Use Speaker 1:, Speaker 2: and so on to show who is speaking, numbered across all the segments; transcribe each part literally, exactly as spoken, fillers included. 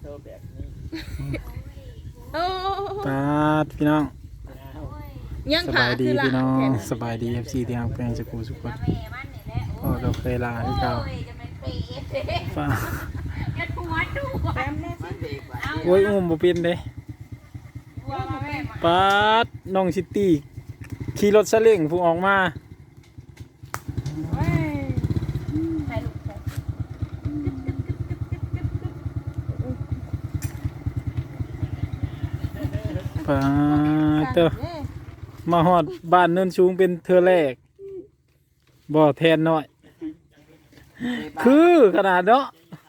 Speaker 1: ว์แบบนี้
Speaker 2: โอ้
Speaker 3: ปาดพี่น้อง
Speaker 2: ยัง
Speaker 3: ส
Speaker 2: ขา
Speaker 3: บายดี
Speaker 2: คือละ
Speaker 3: พี่น้องสบายดี เอฟ ซี ที่ฮักแพงสกูสุกคนพ่อเราเคยลาที่เก่าฟ้าโอ้ยอุ้มบ่เป็นเด้ปาดน้องซิตี้ขี่รถซาเล้งผู้ออกมาปาดเตอมาฮอดบ้านเนินสูงเป็นเธอแรกบ่แทนน้อยคือขนาดเนาะ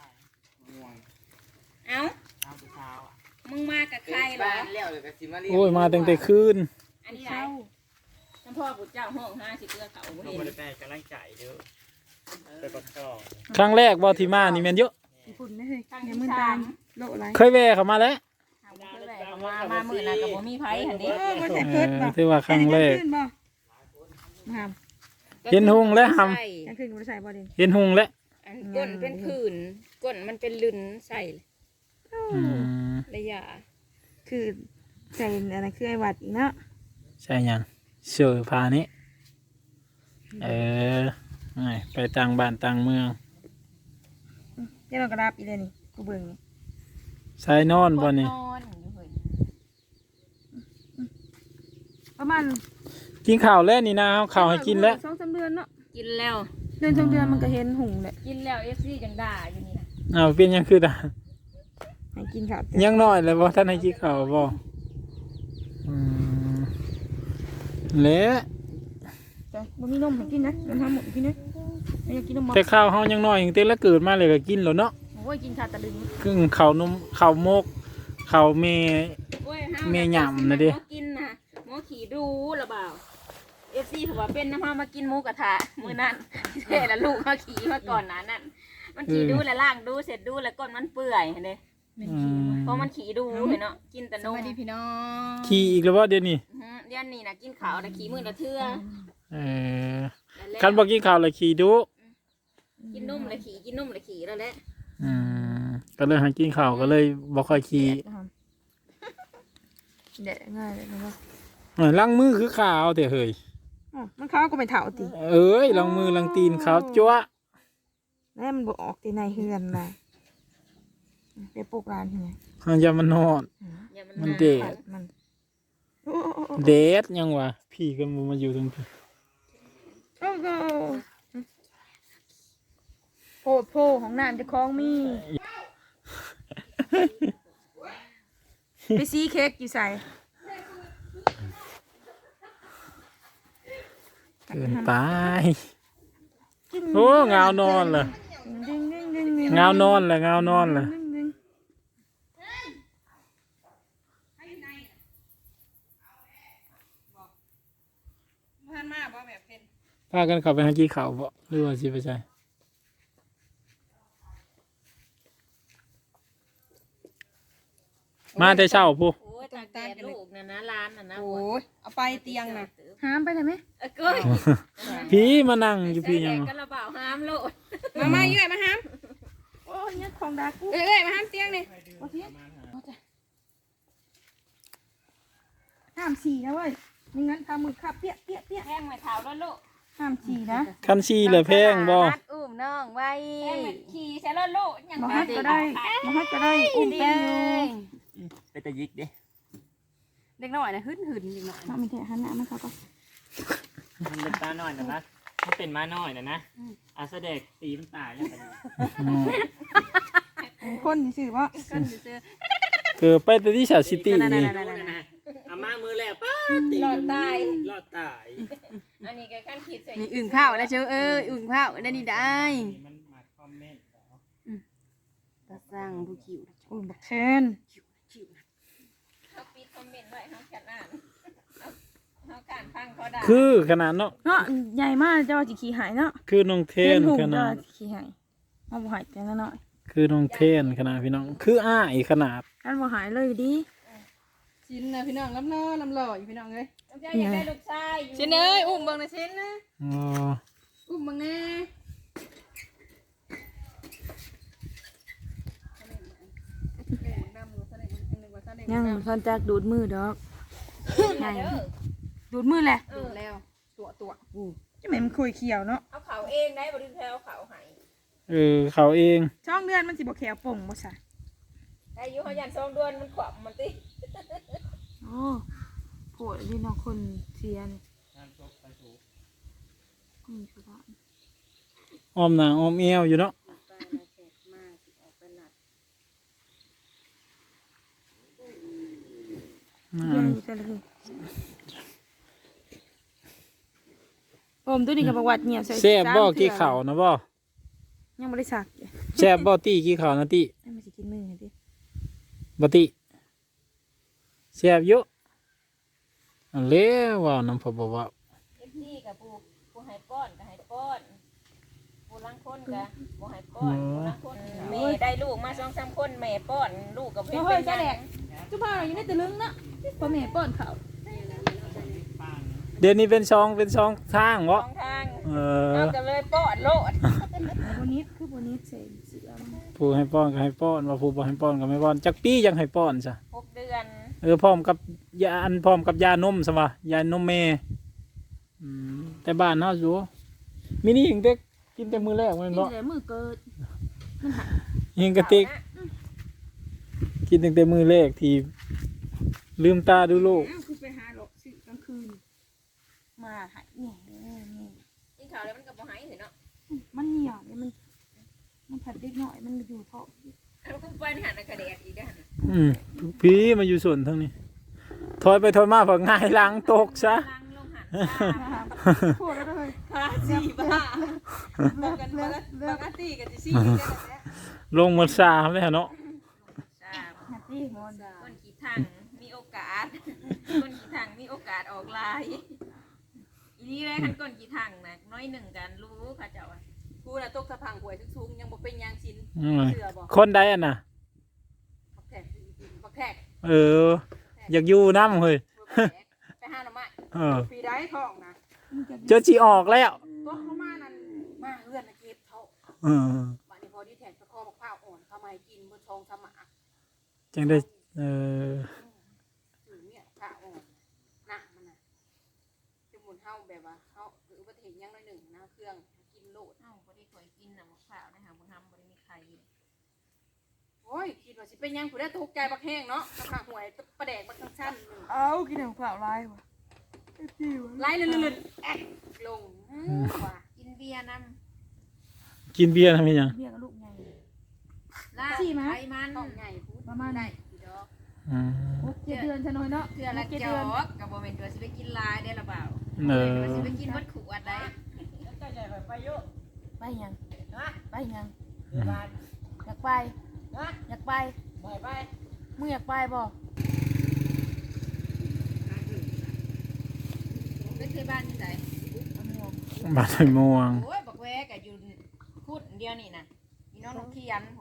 Speaker 2: เอ้ามึงมากับใครเหรอ
Speaker 3: โอ้ยมาตั้งแต่คืน
Speaker 2: อันนี้ไรท่านพ่อปู่เจ้าห้องห้าสิเกลือเขาเห็น
Speaker 1: บริแปลกำลังใจเยอะไปประกอบ
Speaker 3: ครั้งแรกบ่ที่มานี่แม่นเยอะ
Speaker 4: ฝุ่นได้เลยยังมือตามโลอะไร
Speaker 3: เคยแวะเข้ามาแล้ว
Speaker 2: มามาหมื่นนะกับผมมีไผ่หันนี้
Speaker 4: เออมันแต่เกิดบ่
Speaker 3: ถือว่าครั้งแรก
Speaker 4: ขึ้นบ่มาหาม
Speaker 3: เห็นหุงและห
Speaker 4: กลางคืนกูใส่บ่เด่น
Speaker 3: ำเห็นหุงและ
Speaker 2: ก้นเป็นผื่นก้นมันเป็นลืนใส่
Speaker 3: อืม
Speaker 2: ระยะ
Speaker 4: คือใส่อะไรคือไอ้หวัดอีกเนาะ
Speaker 3: ใช่ยังเสื้อผ้านี้เออไปต่างบ้านต่างเมือง
Speaker 4: เดี๋ยวเรากระดับอีเลยนี่กูเบิ่ง
Speaker 3: ใส่นอนบ่นี่
Speaker 2: นอนอยู่เฮ้ย
Speaker 4: ประมาณ
Speaker 3: กินข้าวแล้วนี่นะเอาข้าวให้กินแล้ว
Speaker 4: สองสามเดือนเนาะ
Speaker 2: กินแล้ว
Speaker 4: เดือนสองเดือนมันก็เห็นหุ่งแหละ
Speaker 2: กินแล้วเอฟซีจังด่าอยู่นี่นะ
Speaker 3: เอาเป็นยังคือตา
Speaker 4: ให้กินข้าว
Speaker 3: ยังน้อยเลยบ่ท่านให้กินข้าวบ่อืมและ
Speaker 4: จ้ะบ่มีนมให้กินนะมันทำหมดกินนะไม่อยากกินนมบ่
Speaker 3: แต่ข้าวเฮายังน้อยยังเต็มแล้วเกิดมาเลยก็กินแล้วเนาะ
Speaker 4: โอ้ยกินข้าวตะลึง
Speaker 3: ครึ่งข้าวนมข้าวมกข้าวเม
Speaker 2: โอ้ยห้า
Speaker 3: แม่หย่ำนะดิ
Speaker 2: หมอกินนะหมอขี่ดูหรือเปล่าเอฟซีถือว่าเป็นน้ำพามากินหมูกระทะมื้อนั้นเท่ละลูกเขาขี่มาก่อนนั้นนั่นมันขี่ดูแล้วล่างดูเสร็จดูแล้วก้นมันเปื่อยเห็นไหม
Speaker 3: อืม
Speaker 2: เพราะมันขี่ดูเห็นเนาะกินแต่นม
Speaker 4: ดีพี่น้อง
Speaker 3: ขี่อีกแล้วบ่เดี๋ยวนี้
Speaker 2: อืมเดี๋ยวนี้นะกินขาวแต่ขี่มือละเทื่อ
Speaker 3: เออ
Speaker 2: แล้ว
Speaker 3: คันบ่กินข้าวแล้วขี่ดุ
Speaker 2: กินนมละขี่กินนมละขี่แล้วแหละ
Speaker 3: อืมก็เลยให้กินข้าวก็เลยบ่ค่อยขี่
Speaker 4: เด็ดง่ายเลยนะว่า
Speaker 3: เออล้างมือคือขาวแต่เฮ้ย
Speaker 4: อ๋อมันข้าวก็ไปเถาติ
Speaker 3: เอ้ยล้างมือล้างตีนขาวจั๊วะ
Speaker 4: แล้วมันบ่ออกที่ในเฮือนนะไปปลูกร้านที่ไหน
Speaker 3: มันจะมันนอน
Speaker 2: อย่ามัน
Speaker 3: มัน
Speaker 2: มา
Speaker 3: เดด
Speaker 4: มัน
Speaker 3: เดดยังวะพี่ก็บ่มาอยู่ตรงพี่
Speaker 4: โอ้โหโพดโพของน้ำจะคล้องมี ไปซีเค้กอยู่ใส่
Speaker 3: เกินไปโอ้เงานอนเลยเงานอนเลยเงานอนเลยพากันเข้าไปหากินข้าวบ่หรือว่าสิไปใช่มาแต่เช้าพู
Speaker 2: โอ้ยตาแกลูกนะนะร้านน่ะนะ
Speaker 4: โอ้ยเอาไปเตียงนะห้ามไปได้ไหม
Speaker 2: เออก้อย
Speaker 3: พี่มานั่งอยู่พี่ยัง
Speaker 2: กระเป๋าห้ามโลด
Speaker 4: มามาเยอะมาห้ามโอ้ยเนี่ยของดากูเอ้ยมาห้ามเตียงนี่โอเคห้ามฉี่นะเว้ยไม่งั้นทำมือขับเปี้ยเปี้ยเปี้ย
Speaker 2: แห้งไม่เท้าแล้วลูก
Speaker 4: ห้ามฉี่นะ
Speaker 3: คันซีเหลือแพงบ่
Speaker 2: มัดอุ้มน้องไว้แห้งไม่ขี่ใช่แล้วลูกยัง
Speaker 4: มาฮัดก็ได้มาฮัดก็ได้อุ้ม
Speaker 2: ดี
Speaker 4: ไป
Speaker 1: ไปตะยิกดิ
Speaker 2: เด็กน้อยนะหึ่นหึ่นเด็กน้อย
Speaker 4: มามีแต่หันหน้ามาเขาก็
Speaker 1: มันเป็นตาหน่อยนะครับถ้าเป็นม้าน้อยนะนะอาเสด็จตีมันตายแล้วกัน
Speaker 4: คนสื่อว่า
Speaker 2: กันซื้อ
Speaker 3: เกิดไปแต่ที่ชาซิตี้นี่
Speaker 1: อามามือแรกป้าตี
Speaker 2: หลอดตาย
Speaker 1: รอดตาย
Speaker 2: อันนี้ก็ขั้นขีดใส่
Speaker 4: นี่อึ่งข้าวแล้วเชียวเอออึ่งข้าวได้นี่ได้
Speaker 1: มันมาคอมเมนต์แล้ว
Speaker 2: ตาสร้างผู้คิว
Speaker 4: อุ้มบักเชน
Speaker 2: เขาปิดคอมเมนต์ไว้เขาแค่อ่านเขาการฟังเขาด่า
Speaker 3: คือขนาดเนาะ
Speaker 4: เนาะใหญ่มากเจ้าจิขี่หายเนาะ
Speaker 3: คือน้องเทน
Speaker 4: หุ่
Speaker 3: ข
Speaker 4: เจ้า
Speaker 3: นาด
Speaker 4: ขี่หายเอาบ่หายแต่ละหน่อย
Speaker 3: คือน้องเทนขนาดพี่น้องคืออ้ายขนาด
Speaker 4: กันบ่หายเลยดิ
Speaker 5: ชิ้นนะพี่น้องลำน้อลำหล่ออยู่พี่น้องเลย
Speaker 2: เจ้าอยากได้ลูกชาย
Speaker 5: ชิ้นเอ้ยอุ้มเบังนะชิ้นนะ
Speaker 3: อ๋อ
Speaker 5: อุ้มเบังแน่
Speaker 4: ยังซอนจากดูดมือดอกไงดูดมือแหละ
Speaker 5: ดูแล้วตัวตัว
Speaker 4: จะเหม็นมันคุยเขียวเนาะ
Speaker 2: เอาเขาเองได้บ่ได้แถวเขาให้
Speaker 3: เออเขาเอง
Speaker 4: ช่องเดือนมันสิบ่แขวป่งบ่ซะ
Speaker 2: ได้อยู่เฮายันสองเดือนมันขวบมันติ
Speaker 4: โอ้โหนี่น้องคนเสียนี่
Speaker 1: งานจบไปถูก
Speaker 4: อืมคือว่า
Speaker 3: อ้อมหน้าอ้อมเอวอยู่เนาะ
Speaker 2: ไปแล้วแขกมาสิออกไปนัด
Speaker 3: อ่
Speaker 4: เรื่อง
Speaker 3: า
Speaker 4: นี้ก็เลยผมตัวนี้ก็บอกว่าเงียบใส่
Speaker 3: แซ่บบ่
Speaker 4: สม
Speaker 3: กี่
Speaker 4: ทื่อ
Speaker 3: ข้าวนะบ่
Speaker 4: ยังบ่ได้สักอยู่
Speaker 3: แซ่บบ่ตี้กี่ข้าวนะตี้
Speaker 4: ให้มันสิกินมือให้ดิ
Speaker 3: บ่ตี้แซ่บอยู่อันแล้วว่าน้ำพอบ่ว่า
Speaker 2: เอฟซีกับผู้ผู้ให้ป้อนก็ให้ป้อนผู้ลังคนก็บ่ให้ป้อนผู้ลังคนแม่ได้ลูกมาสองสามคนแม่ป้อนลูกก็เป็นเป็นจัง
Speaker 5: จุ๊บพาอยู่ในตะลึงนะพ่อแม่ป้อนข้าว
Speaker 3: เดี๋ยวนี้เป็นช่องเป็นช่องทาง
Speaker 2: ส
Speaker 3: บ่
Speaker 2: องทาง
Speaker 3: เออ
Speaker 2: เอาก็เลยป้อนโลด
Speaker 4: บ่นิดคือบ่นิดใส่เสื้อมัน
Speaker 3: ผู้ให้ป้อนก็ให้ป้อนว่าผู้บ่ให้ป้อนก็ไม่ป้อนจักปียังให้ป้อนซะ
Speaker 2: หกเดือน
Speaker 3: เออพร้อมกับยาอันพร้อมกับยานมซะว่ายานมแม่อืมแต่บ้านเฮาอยู่มินี่ยังเด็กกินแต่มื้อแรกแม่น
Speaker 4: กิน
Speaker 3: บ่
Speaker 4: แต่มือเกิด
Speaker 3: ยิงกระติกกินตั้งแต่มื้อแรกที่ลืมตาดูโลก
Speaker 4: อ้าวคือไปหาหลอกสิกลางคืน มาหายนี่นี่นี่
Speaker 2: กินข้าวแล้วมันก็บ่หายเห็นเนาะ
Speaker 4: มันเหนียวเนี่ยมัน มันผัดเล็กหน่อยมันอยู่ท้อง
Speaker 2: แล้วก็ไปหันกระเดดอีกได้หัน
Speaker 3: อืมพี่มาอยู่ส่วนทั้งนี้ถอยไปถอยมาพอง่ายหล้างตกซะ
Speaker 2: ล้างลงหัน
Speaker 4: พูดแล้วเลย
Speaker 5: พาสีบ้าบอกกันปกติกันจะสีกันแล้ว
Speaker 3: ลงหมดสามเลยเนาะ
Speaker 2: จ้า
Speaker 4: หัดที่มอน
Speaker 2: คนขี้ทางมีโอกาส คนขี้ทางมีโอกาสออกลายอีนี่เลยคันคนขี้ทางนะน้อยหนึ่งกันรู้ค่ะเจ้าอะ
Speaker 5: กูน่ะตกสะพังหวยทุกๆยังบ่เป็นยางชิ้น
Speaker 3: อืม
Speaker 5: เสือบ่
Speaker 3: คนใดอ่ะน่ะ
Speaker 5: บักแขกบักแขก
Speaker 3: เออ อยากอยู่น้ำเฮ้ย
Speaker 5: ไปหาหน่อไม้
Speaker 3: เออ
Speaker 5: ปีได้ทองนะ
Speaker 3: เจอจีออกแล้ว
Speaker 5: ตัวเขามานั่นมาเฮือนนะเก็บเท่า
Speaker 3: เออ
Speaker 5: วันนี้พอดีแทนไปคอบักข้าวอ่อนเข้ามาให้กินเพื่อทองสมะ
Speaker 3: จังได้เออ
Speaker 5: ถือเนี่ยข้าวอ่อนนะมันน่ะจะหมุนเฮาแบบว่าเฮาหรืออุบัติเหตุยังน้อยหนึ่งนะเครื่องกินโลด
Speaker 2: เอ้าบ่ได้ข่อยกินน่ะมะพร้าวนะคะบ่ทำบ่ได้มีใคร
Speaker 5: โอ้ยคิดว่าสิเป็นยังผู้ได้ตกใจบักแห้งเนาะบักข้าวหวยประแดกบักทั้งชั้นหนึ่ง
Speaker 4: เอากินของเปล่าลายวะ
Speaker 5: ไล่ลื่นๆแอกลงอืมว่ะ
Speaker 2: กินเบียร์น
Speaker 3: กินเบียร์ทำไมยัง
Speaker 4: เบี้ยกับลูกไง
Speaker 2: ำลาบ
Speaker 4: สี่มั้ย
Speaker 2: ไขมัน
Speaker 5: ต้องใหญ่พูด
Speaker 4: ประมาณ
Speaker 5: ได้อีดอก
Speaker 3: อืม
Speaker 4: หกเจ็ดเดือนชะน้อยเนาะ
Speaker 2: เทื่อละ
Speaker 4: เจ็ด
Speaker 2: จ
Speaker 4: เดือน
Speaker 2: อกกับบ่แม่นตัวสิไปกินลายได้ละเปล่า
Speaker 3: เออ
Speaker 2: ตัวสิไปกินวัดขวดได้
Speaker 4: ไปยังไปยัง
Speaker 3: อืม
Speaker 4: อยากไปอยากไปมึงอยากไปบ่
Speaker 2: ไปที่บ้านที่ไหน
Speaker 4: เอาหมวก
Speaker 3: บาดไอ้ม่วง
Speaker 2: โอ้ยบักแวกอยู่พูดเดียวนี่น่ะอีน้องนกเขียน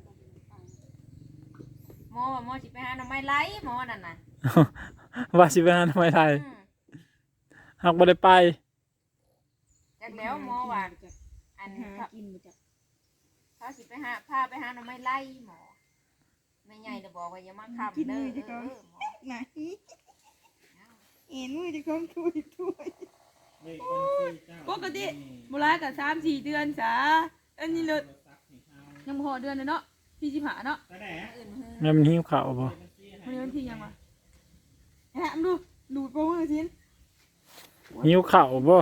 Speaker 2: หมอว่าหมอสิไปหาหน่อไม้ไล่หมอนั่นน่ะ
Speaker 3: ว่าสิไปหาทำไมไทย
Speaker 2: อืม
Speaker 3: หากบ่ได้ไป
Speaker 2: จากแล้วหมอว่าอัน
Speaker 4: หา
Speaker 2: เขา
Speaker 4: กินบ่จ้ะ
Speaker 2: เขาสิไปหาพาไปหาหน่อไม้ไล่หมอแม่ใหญ่จะบอกว่าอย่ามาค้ำเด้อเออหมอ
Speaker 4: ไหนเอ็นมือจะคงทุยทุย
Speaker 5: ปกติโบราณกับสามสี่เดือนจ้าอันนี้เลยยังพอเดือนเลยเนาะที่สิบห้าเนาะ
Speaker 2: อื่นหือ
Speaker 3: แม่มันหิวข้าวบ่
Speaker 5: วันนี้วันที่ยังวะแหะดูดูโปรโมชั่น
Speaker 3: หิวข้าวบ่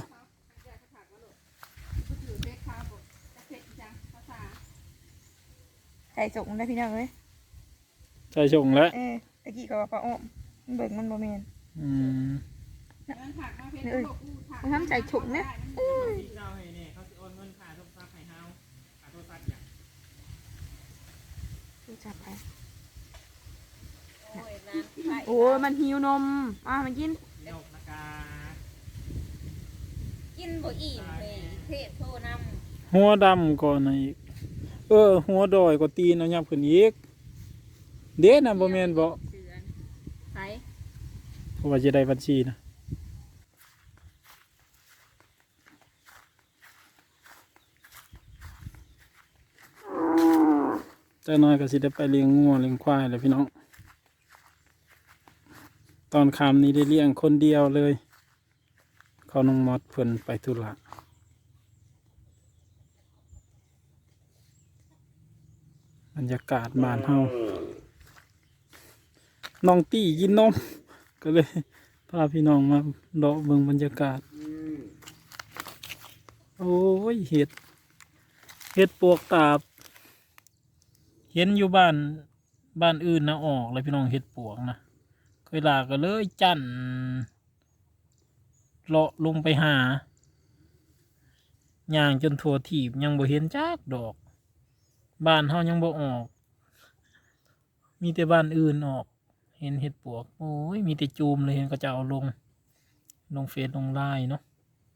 Speaker 4: ใส่ส่งได้พี่น้องเลย
Speaker 3: ใส่ชงแล้ว
Speaker 4: เออตะกี้ก็ว่าปลาอ้อมมันเบิกมันบ่แม่น
Speaker 3: อืม
Speaker 4: เอ้ยมันทำใส่ถุงนะ
Speaker 1: เจ้าให้เนี่ยเขาสิโอนเงินค่าโทรศัพท์ให้เฮาค่าโทรศัพท์อย่าง
Speaker 4: ดูจับไป
Speaker 2: โอ้ยนานไป
Speaker 4: โอ้ยมันหิวนมอ่ะมันกิน
Speaker 1: นกนากา
Speaker 2: กินบ่อิ่มเลยเทพโทรนำ
Speaker 3: หัวดำก่อนนะอีก เออ หัวดอยก็ตีนเอายับขึ้นอีก เด้น่ะบ่แม่นบ่
Speaker 2: เสือนไผ
Speaker 3: เพราะว่าจะได้บัญชีนะแต่น้อยก็สิได้ไปเลี้ยงงัวเลี้ยงควายแหละพี่น้องตอนคำนี้ได้เลี้ยงคนเดียวเลยเขาน้องมอดเพิ่นไปธุระบรรยากาศบ้านเฮาน้องตี้กินนมก็เลยพาพี่น้องมาเลาะเบิ่งบรรยากาศโอ้ยเห็ดเห็ดปวกตาบเห็นอยู่บ้านบ้านอื่นนะออกเลยพี่น้องเห็ดปวกนะเคยลาก็เลยจั่นเลาะลงไปหาย่างจนทั่วถีบยังบ่เห็นจักดอกบ้านเฮายังบ่ออก มีแต่บ้านอื่นออกเห็นเห็ดปวกโอ้ยมีแต่จูมเลยเห็นก็จะเอาลงลงเฟซลงไลน์เนาะ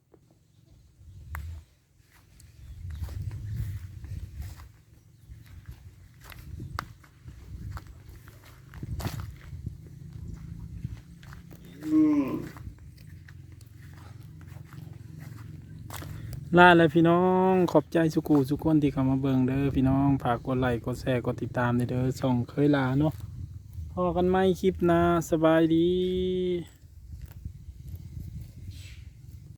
Speaker 3: ลาแล้วพี่น้องขอบใจสุกูสุกคนที่เข้ามาเบิ่งเด้อพี่น้องฝากกดไลค์กดแชร์กดติดตามเด้อส่องเคยลาเนาะพอกันไหมคลิปหน้าสบายดี